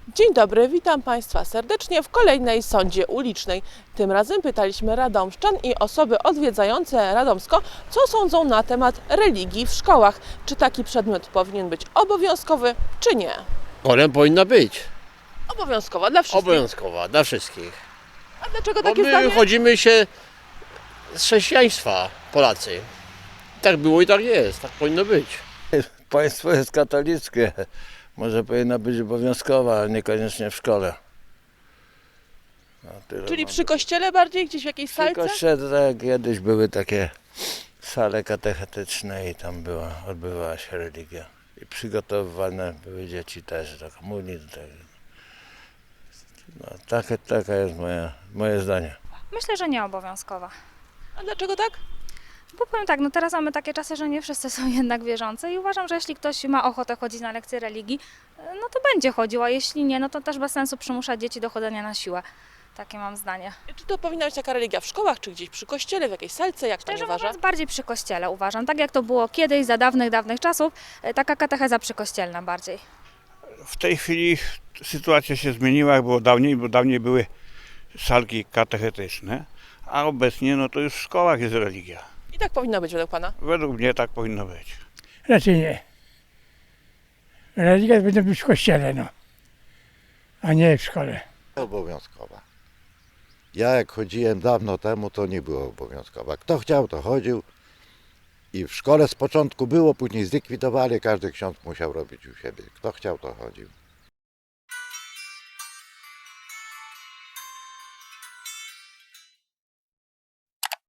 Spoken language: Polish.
Dzień dobry, witam Państwa serdecznie w kolejnej sądzie ulicznej. Tym razem pytaliśmy radomszczan i osoby odwiedzające Radomsko, co sądzą na temat religii w szkołach. Czy taki przedmiot powinien być obowiązkowy, czy nie? Wolę powinna być. Obowiązkowa dla wszystkich. Obowiązkowa dla wszystkich. A dlaczego Bo takie my zdanie? wychodzimy się z chrześcijaństwa, Polacy. Tak było i tak jest, tak powinno być. Państwo jest katolickie. Może powinna być obowiązkowa, ale niekoniecznie w szkole. No, tyle Czyli mam. przy kościele bardziej, gdzieś w jakiejś Przy salce? kościele, tak, kiedyś były takie sale katechetyczne i tam odbywała się religia. I przygotowywane były dzieci też do komunii. No, taka jest moje zdanie. Myślę, że nie obowiązkowa. A dlaczego tak? Bo powiem tak, no teraz mamy takie czasy, że nie wszyscy są jednak wierzący i uważam, że jeśli ktoś ma ochotę chodzić na lekcje religii, no to będzie chodził, a jeśli nie, no to też bez sensu przymuszać dzieci do chodzenia na siłę. Takie mam zdanie. Czy to powinna być taka religia w szkołach, czy gdzieś przy kościele, w jakiejś salce, jak Pani Szczerze uważa? mówiąc, bardziej przy kościele uważam. Tak jak to było kiedyś, za dawnych czasów, taka katecheza przykościelna bardziej. W tej chwili sytuacja się zmieniła, jak było dawniej, bo dawniej były salki katechetyczne, a obecnie no to już w szkołach jest religia. I tak powinno być według Pana? Według mnie tak powinno być. Raczej nie. Religia powinna być w kościele, no, a nie w szkole. Obowiązkowa. Ja jak chodziłem dawno temu, to nie było obowiązkowa. Kto chciał, to chodził. I w szkole z początku było, później zlikwidowali, każdy ksiądz musiał robić u siebie. Kto chciał, to chodził.